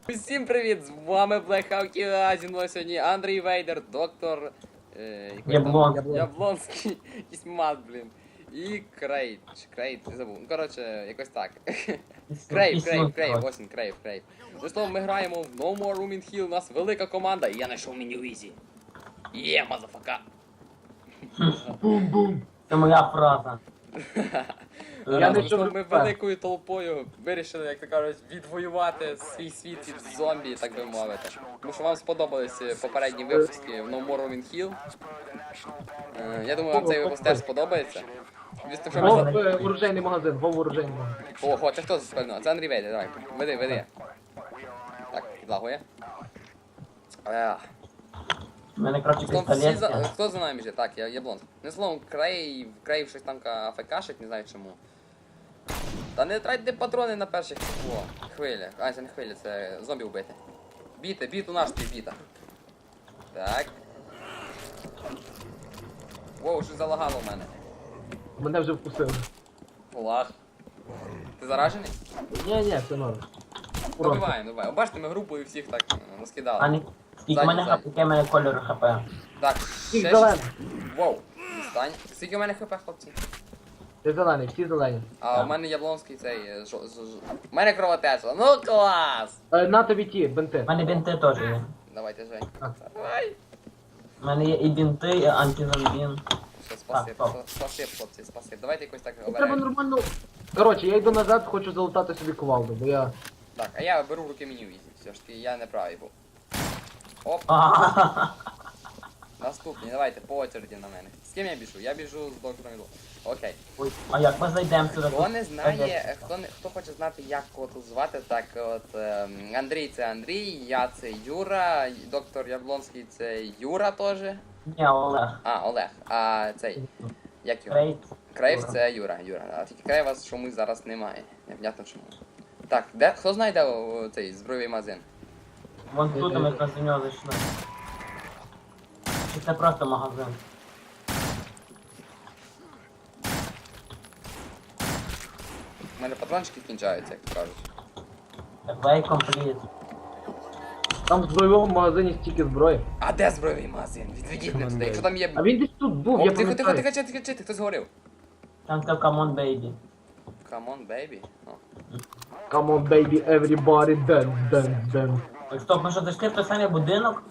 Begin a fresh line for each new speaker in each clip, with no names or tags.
Усім привіт! З вами Блэкхаут, зі мною сьогодні Андрій Вейдер, доктор... Яблонський, якийсь мат, блін. І Крейт, не забув. Ну, коротше, якось так. Крейв, ось він, Крейв. Ну, словом, ми граємо в No More Room in Hell, у нас велика команда, і я знайшов меню Ізі. Є, мазафака!
Бум-бум. Це моя фраза.
Ми великою толпою вирішили, як то кажуть, відвоювати свій світ від зомбі, так би мовити. Тому що вам сподобались попередні випуски в No More Room in Hell. Я думаю, вам цей випуск теж сподобається.
Оружейний магазин, оружейний магазин.
Ого, це хто спільно? Це Андрій Вейдер, давай, веди. Так, підлагує.
У мене, коротше, пістолет.
Хто за нами біжить? Так, я блонд. Не словом, Крейв щось там АФКшить, не знаю чому. Та не тратьте патрони на перших хвилях. А, це не хвилі, це зомбі вбити. Біти у наш біта. Так. Воу, щось залагало в мене.
Мене вже вкусили.
Лаг. Ти заражений?
Ні, все норм.
Добиваємо. Бачите, ми групою всіх так наскидали.
Ані, скільки в мене кольору хп?
Так,
Всіх
ще
зелених.
Воу. Стань. Скільки у мене хп, хлопці?
Ти зелений, всі зелені.
А у мене яблонський цей... У мене кровотеча. Ну клас!
На тобі ті, бенти.
У мене бінти теж є.
Давайте, Жень.
А.
Давай.
У мене є і бінти, і антизомбін.
Все, спасибо,
Так,
хлопці, спасибо. Давайте якось так
Треба
оберемо.
нормально. Коротше, я йду назад, хочу залутати собі кувалду, бо я...
Так, а я беру в руки меню Ізі. Все ж таки, я не правий був. Оп, наступні, давайте, по очереді на мене. З ким я біжу? Я біжу з доктором Іду. Окей.
Ой, а як ми зайдемо сюди?
Хто не знає, хто хоче знати, як кого тут звати, так от Андрій це Андрій, я це Юра, доктор Яблонський це Юра теж.
Ні, Олег.
А, Олег. А цей, як його?
Крейт.
Крейв це Юра. А тільки Крейва чомусь зараз немає. Непонятно чому. Так, хто знає, де цей збройний магазин?
Вон тут ми якраз до нього зайшли. Чи це просто магазин?
У мене патрончики кінчаються, як то кажуть.
Way complete.
Там в збройовому магазині стільки зброї.
А де збройний магазин? Відведіть мене туди. Якщо там є...
А він десь тут був,
О,
я
тихо,
пам'ятаю.
хтось говорив.
Там це Come on baby.
Come on, baby. О.
Come on, baby, everybody, dance.
Ой, стоп, ми що, зайшли в той самий будинок?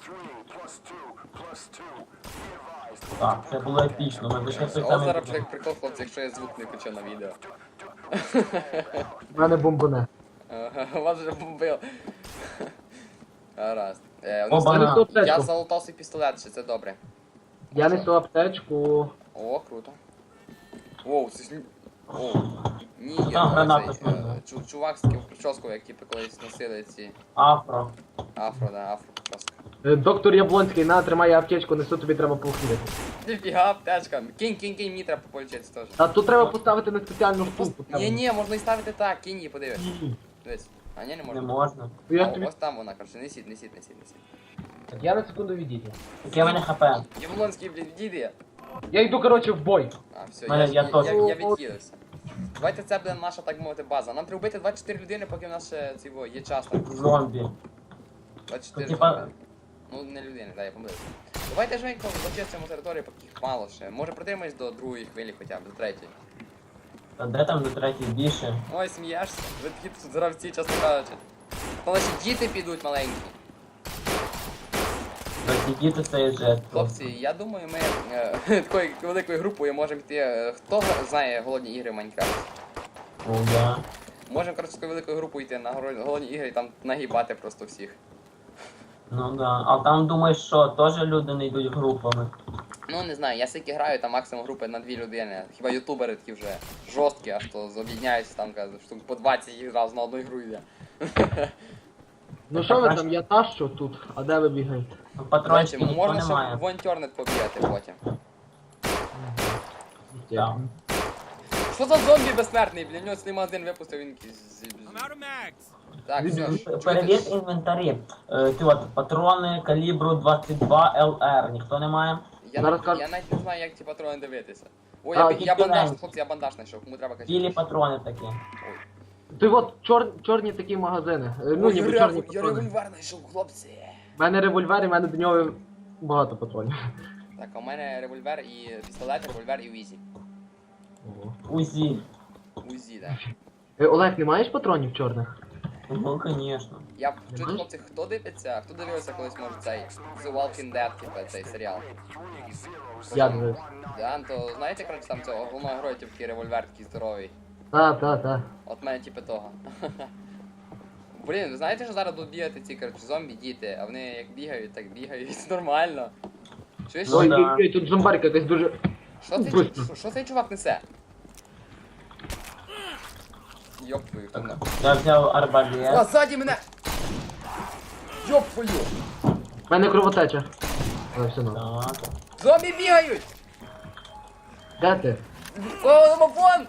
Так, це було епічно, ми зайшли в той
О,
самий
зараз
будинок.
прикол, хлопці, якщо я звук не включу на відео.
В мене бомбоне.
Вас вже бомбив. Гаразд.
Оба.
Я несу
Я
аптечку.
залутав свій пістолет, чи це добре?
Я несу аптечку.
О, круто. Воу, це ж... О, ні,
Там граната смердить.
чувак з таким прическою, як типу колись носили ці
Афро.
афро прическа.
Доктор Яблонський, на, тримай аптечку, несу, тобі треба поухідати.
Ніфіга, аптечка. Кинь, мені треба полічитися теж.
А тут треба поставити на спеціальну штуку.
Ні, можна і ставити так, кинь її, подивись.
Ні.
Дивись. А ні, не
Не
можна.
можна.
Ну, я
А,
тобі...
ось там вона, короче, несіть.
Я на секунду відійду.
Яке в мене хп?
Яблонський, блін, відійди.
Я йду, коротше, в бой.
А, все,
Мене- я теж.
я відхилився. Давайте це буде наша, так мовити, база. Нам треба вбити 24 людини, поки в нас ще цього є час. Так.
Зомбі.
24
Ну, типа-
зомби. Ну, не людини, так, я помилився. Давайте Женько зачистимо територію, поки їх мало ще. Може протримаєш до другої хвилі хоча б, до третьої.
Та де там до третій більше?
Ой, смієшся? Ви такі тут гравці, чесно кажучи. Та наші діти підуть маленькі.
Ті діти це є жертва.
Хлопці, я думаю, ми такою великою групою можемо йти. Хто знає голодні ігри в Майнкрафт?
О, да.
Можемо, коротше, такою великою групою йти на голодні ігри і там нагибати просто всіх.
Ну да. А там думаєш, що теж люди не йдуть групами?
Ну, не знаю, я скільки граю, там максимум групи на 2 людини. Хіба ютубери такі вже жорсткі, аж то об'єдняються там, кажуть, штук по 20 їх зразу на одну ігру йде.
Ну що ви там, я тащу тут, а де ви бігаєте?
Ну,
Короче,
патрончиків ніхто
можна ще
немає.
в Онтьорнет побігати потім.
Так.
Що за зомбі безсмертний? Блін, у нього цей магазин випустив, він якийсь... Так, все,
Перевір інвентарі. Ти от патрони калібру 22 ЛР. Ніхто не має?
я
Зараз
навіть не знаю, як ці патрони дивитися. Ой,
А,
я бандаж,
тільки
хлопці, я бандаж знайшов, кому треба
Білі
качати.
патрони такі.
Ой.
Ти от чорні такі магазини. Ну,
Ой,
ніби
я
чорні
я
патрони.
револьвер знайшов, хлопці.
У мене револьвер, і в мене до нього багато патронів.
Так, а у мене револьвер і пістолет, револьвер і Уізі.
УЗІ.
Узі, так.
Олег, не маєш патронів чорних?
Ну, конечно.
Я чую, хлопці, хто дивиться? Хто дивився колись, може, цей The Walking Dead, типу, цей серіал?
Я дивився.
Да, то знаєте, коротше, там цього головного героя, типу, такий револьвер такий здоровий.
Та.
От мене типу того. Блін, ви знаєте, що зараз будуть бігати ці, коротше, зомбі діти, а вони як бігають, так бігають, нормально. Чуєш?
Ну,
Ой,
да.
тут зомбарка якась дуже...
Що цей чувак несе? Йоп твою, хто мене?
Я взяв
А,
арбалет.
ззаді мене! Йоп твою!
У мене кровотеча. Але все нормально.
Так.
Зомбі бігають!
Де ти?
О, домофон!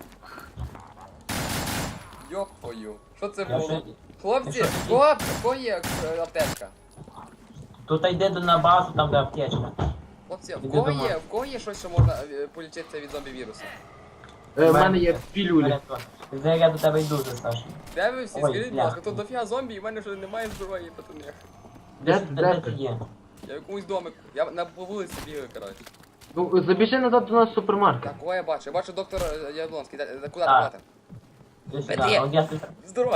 Йоп твою. Що це
Я
було?
ще-
Хлопці,
я ще-
хлопці, в кого є аптечка?
Тут йде на базу, там де аптечка.
Хлопці, в
Іди
кого
дома.
є, що можна полічитися від зомбі-вірусу?
В мене є пілюлі.
Де я до тебе йду, вже, Саша.
Де ви всі?
Ой,
Скажіть, будь
бля.
ласка, тут дофіга зомбі, і в мене вже немає зброї, пацани.
Де ти є?
Я в якомусь домику. Я по вулиці бігаю, коротше.
Ну, забіжи назад до нас в супермаркет.
Так, кого я бачу? Я бачу доктора Яблонський. Куди
Так.
ти?
Іди сюди.
Де?
От я тут.
Здорово.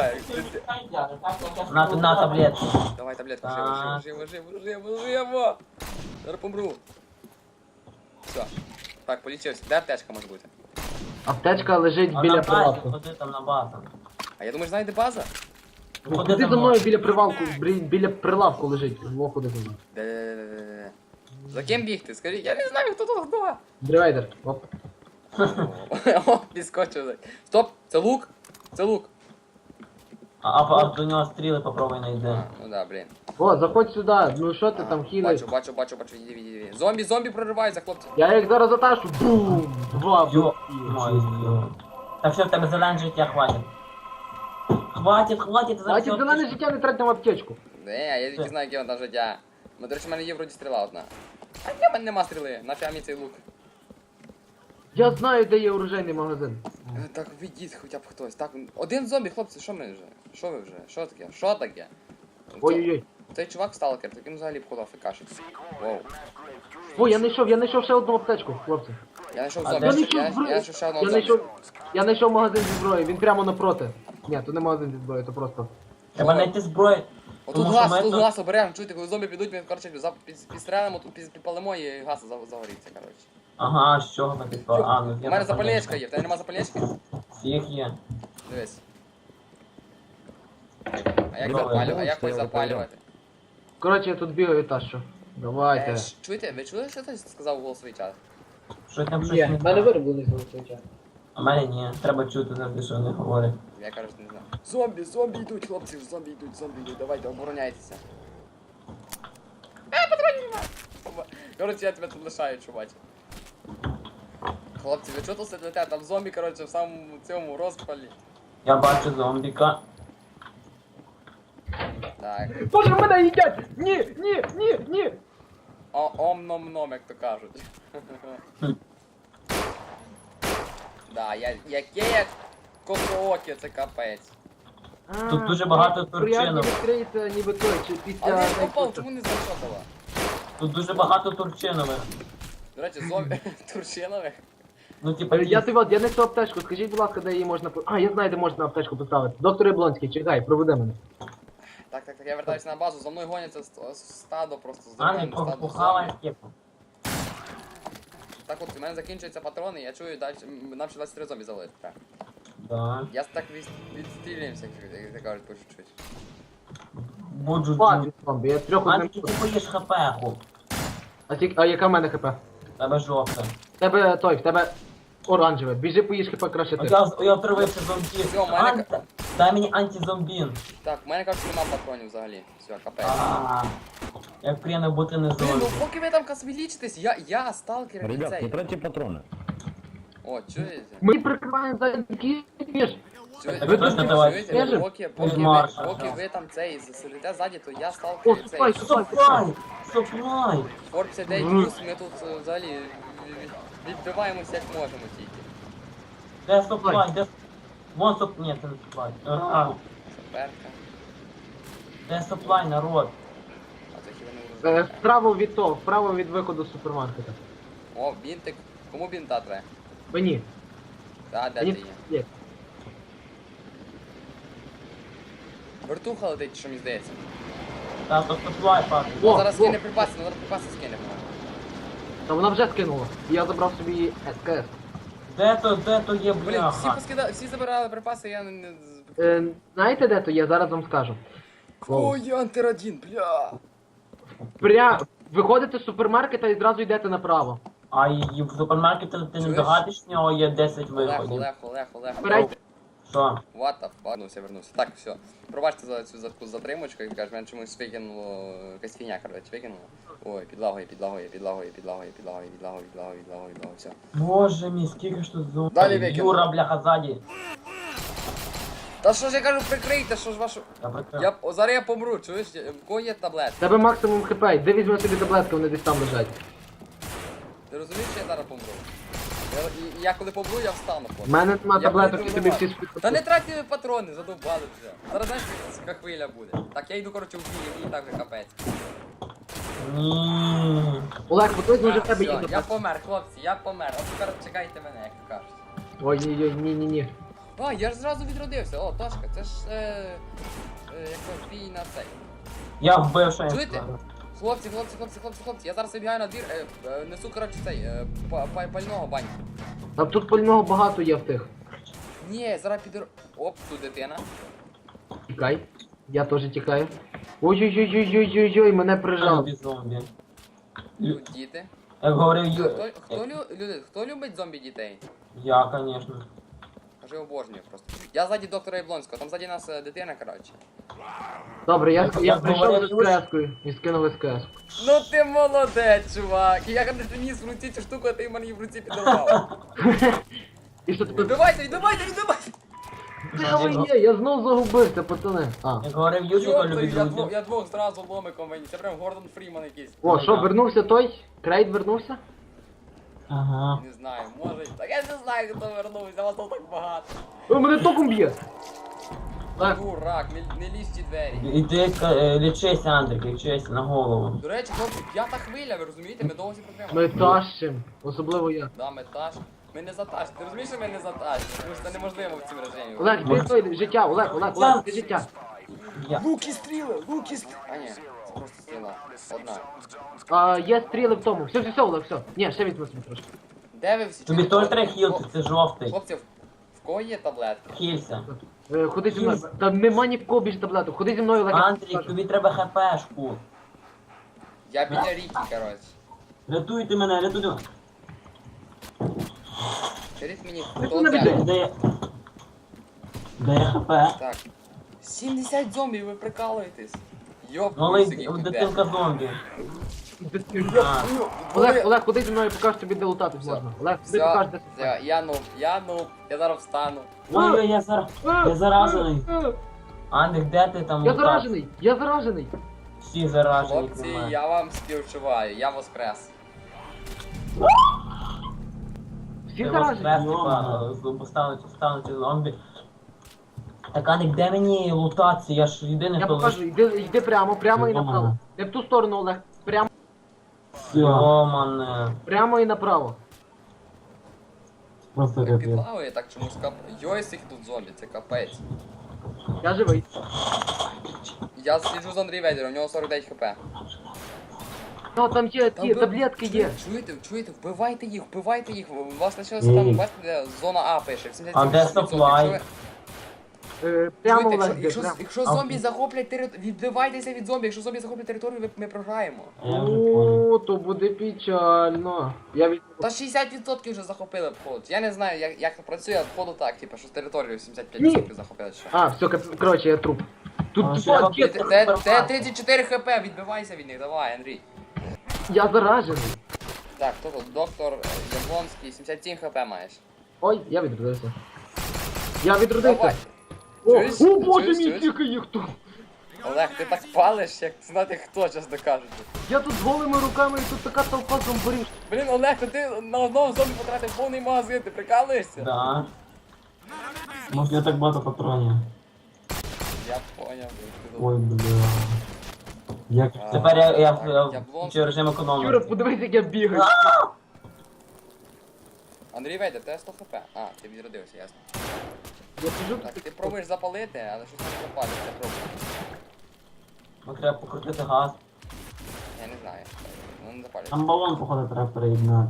На таблетку.
Давай таблетку,
Так.
живо. Зараз помру. Все. Так, полічився. Де аптечка може бути?
Аптечка лежить
А
біля
на базі,
прилавку.
ходи там на базу.
А я думаю, знайде база?
Ходи за мною біля прилавку, біля прилавку лежить. Во, ходи за мною.
Де. За ким бігти? Скажіть, я не знаю, хто тут хто.
Древейдер. Оп.
О, підскочив. Стоп, це лук? Це лук.
А до нього стріли попробуй найди.
Ну да, блін.
О, заходь сюди. Ну що ти там хілиш?
Бачу, іди. Зомбі прориваються, хлопці.
Я їх зараз заташу. Бум! Два
Йо,
бу-
Так все, в тебе зелене життя хватить. Хватить,
А ті за мене життя не трать на аптечку.
Не, я тільки знаю, яке вона життя. Ну, до речі, в мене є вроді стріла одна. А в мене нема стріли, нафіга мені цей лук.
Я знаю, де є оружейний магазин.
Так, відіть хоча б хтось. Так, один зомбі, хлопці, що ми вже? Що ви вже? Що таке? Що таке?
Ой-ой-ой.
Цей чувак сталкер, таким взагалі походу афекашить. Воу.
О, я знайшов ще одну аптечку, хлопці.
Я знайшов
А
зомбі,
де
я знайшов ще одного
Я
зомбі.
знайшов магазин зі зброї, він прямо напроти. Ні, то не магазин зі зброї, то просто.
Треба знайти зброю.
Отут
Тому що ми
тут
тут-
газ оберемо, чуєте, коли зомбі підуть, ми, коротше, підстрелимо, тут підпалимо і газ загоріться, коротше.
Ага, з чого ми підпали? А, ну
У мене запальничка є, в тебе нема запальнички?
Всіх є.
Дивись. А як
Добре,
запалювати? А як хоч запалювати?
Коротше, я тут бігаю та що. Давайте.
Чуєте, ви чули, що хтось сказав у голосовий чат?
Що там щось не так?
вироблений голосовий час.
А мене ні. Треба чути завжди, що вони говорять.
Я кажу, що не знаю. Зомбі йдуть, хлопці, зомбі йдуть, давайте, обороняйтеся. Патронів нема! Коротше, я тебе тут лишаю, чувач. Хлопці, ви чого тут сидите? Там зомбі, коротше, в самому цьому розпалі.
Я бачу зомбіка.
Так.
Боже, мене їдять! Ні!
Ом-ном-ном, як то кажуть. Да, яке косооке, це капець.
Тут дуже багато
Приятно
турчинок.
відкриється ніби той, чи
А
після...
він попав, чому не зайшов?
Тут дуже багато турчинових.
До речі, зомбі Турчинових.
Ну, типа,
Я несу аптечку, скажіть, будь ласка, де її можна... А, я знаю, де можна аптечку поставити. Доктор Яблонський, чекай, проведи мене.
Так, я вертаюся на базу, за мною гоняться стадо просто
а не
здоровенне стадо
похавай
зомбі.
типу.
Так от, у мене закінчуються патрони, я чую, далі нам ще 23 зомбі завалити.
Да.
Я так відстрілюємося, як ти кажуть, по чуть-чуть.
Буджу
Хватить, зомбі, я трьох
Мати,
одним...
ти поїш хп, хуп.
А яка в мене хп?
Тебе жовте.
В тебе оранжеве. Біжи поїж хп краще ти.
Я отривився зомбі.
Все, у мене
Дай мені антизомбін.
Так, в мене, кажуть, нема патронів взагалі. Все, капець.
Як приємно бути не
Блін, ну
зомбі.
поки ви там космілічитесь, я сталкер і
Ребят, не
цей.
тратьте патроны.
О, чуєте?
Ми прикриваємо задники, ніж.
Чуєте?
Ви точно давайте.
Чуєте?
Марша,
Поки
да.
ви там цей сидите ззаді, то я
О,
сталкер і цей.
супай.
Суплай!
Форт 59 плюс, ми тут взагалі відбиваємося як можемо тільки.
Де суплай? Де Вон соп... Ні, це не соплай.
Саперка.
Це соплай, народ.
А це хіба не урожай.
Вправо від того, вправо від виходу з супермаркета.
О, бінтик. Кому бінта треба?
Мені.
Та, де ти
Мені
є?
є.
Вертуха летить, що мені здається.
Та то соплай, папі.
О,
Ну, зараз
о.
скине припаси, ну зараз припаси скине.
Та вона вже скинула. І я забрав собі СКС.
Де то є,
Блін, всі
бляха?
всі забирали припаси, я не...
Знаєте де то є? Зараз вам скажу.
Ой, антирадін, бля.
Виходите з супермаркета і зразу йдете направо.
А і в супермаркеті ти не
Чуєш?
догадиш, в нього є 10
Олег,
виходів.
Олег.
Вибирайте.
Що?
What the fuck? Вернувся. Так, все. Пробачте за цю таку затримочку, як кажуть, мене чомусь викинуло, якась фігня, коротше, викинуло. Ой, підлагує, все.
Боже мій, скільки ж тут зомбі.
Далі викину.
Юра, бляха, ззаді.
Та що ж я кажу, прикрийте, що ж вашу...
Я прикрив.
Зараз я помру, чуєш? В кого є таблет?
Тебе максимум хп. Де візьме собі таблетки, вони десь там лежать.
Ти розумієш, що я зараз помру? Я коли помру, я встану.
У мене нема
Я
таблеток
буду
і тобі
вбивати.
всі спитати.
Та не тратьте патрони, задовбали вже. Зараз знаєш, яка хвиля буде. Так, я йду, коротше, в бій, мені так вже капець.
Ні.
Олег, хтось може в
Так,
тебе
все,
є.
я помер, хлопці, я помер. От тепер чекайте мене, як то кажуть.
Ой-ой-ой, ні-ні-ні.
О, я ж зразу відродився. О, Тошка, це ж як бій на цей.
Я вбив, що я
Чуєте?
сказав.
Хлопці, я зараз вибігаю на двір, несу, коротше, цей, пального баньку.
А тут пального багато є в тих.
Ні, зараз підер... Оп, тут дитина.
Тікай. Я теж тікаю. Ой-ой-ой-ой-ой-ой, мене прижав.
Зомбі.
Тут діти.
Як говорив
Хто любить зомбі дітей?
Я, конечно.
Кажи, обожнюю просто. Я ззаді доктора Яблонського, там ззаді нас дитина, коротше.
Добре, я
Я
прийшов
говорю,
з СКС-кою і скинув СКС.
Ну ти молодець, чувак! Я коли приніс в руці цю штуку, а ти мені в руці підорвав.
І що таке?
Відбивайте!
Де ви є? Я знов загубився, пацани. А.
Як говорив Юрчика, любить друзів.
Я двох зразу ломиком мені, це прям Гордон Фріман якийсь.
О, що, вернувся той? Крейд вернувся?
Ага.
Не знаю, може. Так я не знаю, хто вернувся, вас тут так багато.
О, мене током б'є! Так,
Дурак, не лізь в ті двері.
Іди лічись, Андрік, лічись на голову.
До речі, хлопці, п'ята хвиля, ви розумієте? Ми довго всі проблеми.
ми тащим. Особливо я.
Да, ми таш. Ми не заташ. Ти розумієш, що ми не заташ? Тому що це неможливо в цьому режимі.
Олег, ти той життя, Олег, ти життя.
Я.
Луки стріли! А ні, це просто стріла. Одна.
А, є стріли в тому. Все, Олег, все. Ні, ще візьми собі трошки.
Де ви всі?
Тобі
Чуєте?
теж треба хілти, це жовтий.
Хлопці, в кого є таблетки?
Хілься.
Ходи зі мною. Та нема ні в кого більше таблеток. Ходи зі мною, Олег.
Андрік, тобі треба хпшку.
Я біля ріки, коротше.
Рятуйте мене, рятуйте.
Скажіть мені,
Ну,
хто
не
це?
біжи.
Де я хп?
Так. 70 зомбів, ви прикалуєтесь. Йоп,
Малий
скільки йде.
дитинка зомбі. А,
Олег, ходи зі мною, покажу тобі, де лутатись
Все.
можна. Олег, ти покажеш, де
Все, я зараз встану.
ой, я заражений. Андрік, де ти там?
Я
лутався?
заражений.
Всі заражені.
Хлопці, я вам співчуваю, я воскрес.
Всі заражені.
Поставити зомбі. Так, Андрік, де мені лутатися? Я ж єдиний,
Я
хто
покажу, йди прямо і направо. Не в ту сторону, Олег.
Йомане.
Прямо і направо.
Просто
Так підлавує, так чомусь Йой, скільки тут зомбі, це капець.
Я живий.
Я сліджу з Андрій Ведером, у нього 49 хп.
Та там є ті
ви-
таблетки є.
Чуєте, вбивайте їх. У вас лишилося там, бачите, де зона А пише, 77%.
А де supply?
Якщо
Прямо,
Чуєте,
Олег, йди, прямо.
якщо зомбі захоплять територію, відбивайтеся від зомбі, якщо зомбі захоплять територію, ми програємо.
Я вже понял.
О, то буде печально. Я від...
Та 60% вже захопили хлопці. Я не знаю, як це працює, походу так, типу, що з територію 75% захопили ще.
А, все, коротше, я труп. Тут
А,
тупо
що я
є-
Де 34 хп, відбивайся від них, давай, Андрій.
я заражений.
Так, хто тут? Доктор Яблонський, 77 хп маєш.
Ой, я відродився. Я відродився.
Давай.
О,
Чуєш?
о боже
Чуєш?
мій,
Чуєш?
скільки їх тут.
Олег, ти так палиш, як знати хто, чесно кажучи.
Я тут з голими руками і тут така толпа зомбарів.
Блін, Олег, то ти на одного зомбі потратив повний магазин, ти прикалуєшся?
Да. Може я так багато патронів.
Я поняв.
Ой, бля. Як...
А,
Тепер я
так,
включу режим
Юра,
економності.
подивись, як я бігаю.
Андрій Вейдер, тебе 100 хп. А, ти відродився, ясно.
Я сижу
Так,
тут.
ти пробуєш запалити, але щось не запалить, це пробує.
Ну треба покрутити газ.
Я не знаю. Ну не запалить.
Там балон, походу, треба переєднати.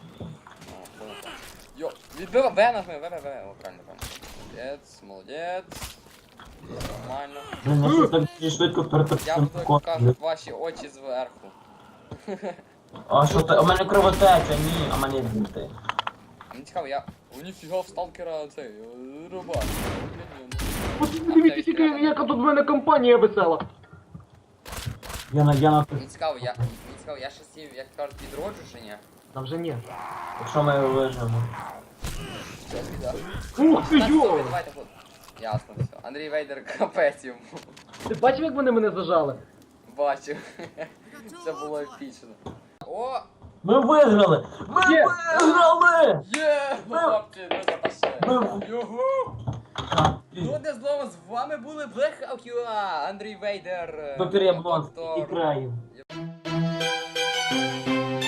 Йо, відбива, В нажми, В, о, правильно. Молодець, молодець. Нормально.
Блин, я щось так дуже швидко
Я
перетопив
буду, як
код.
кажуть, ваші очі зверху.
А що ти? У мене кровотеча, ні, а мене бути.
Мені цікаво, я... О, ніфіга, в сталкера цей, рубак.
Подивіться, тільки яка тут в мене компанія весела.
Я на
Мені цікаво, я ще сів, як кажуть, відроджу чи ні?
Та вже ні.
Якщо ми його вижимо.
Все, біда.
Ух ти,
Так,
йо!
добре, давайте, хлоп. Ясно, все. Андрій Вейдер капець йому.
Ти бачив, як вони мене зажали?
Бачу. Це було епічно. О!
Ми виграли! Ми
Є!
виграли!
Є! Хлопці, ми запасили.
Ми-
Югу! Ну, де знову з вами були Blackout UA, Андрій Вейдер.
Доктор Яблонський і
доктор-
країв.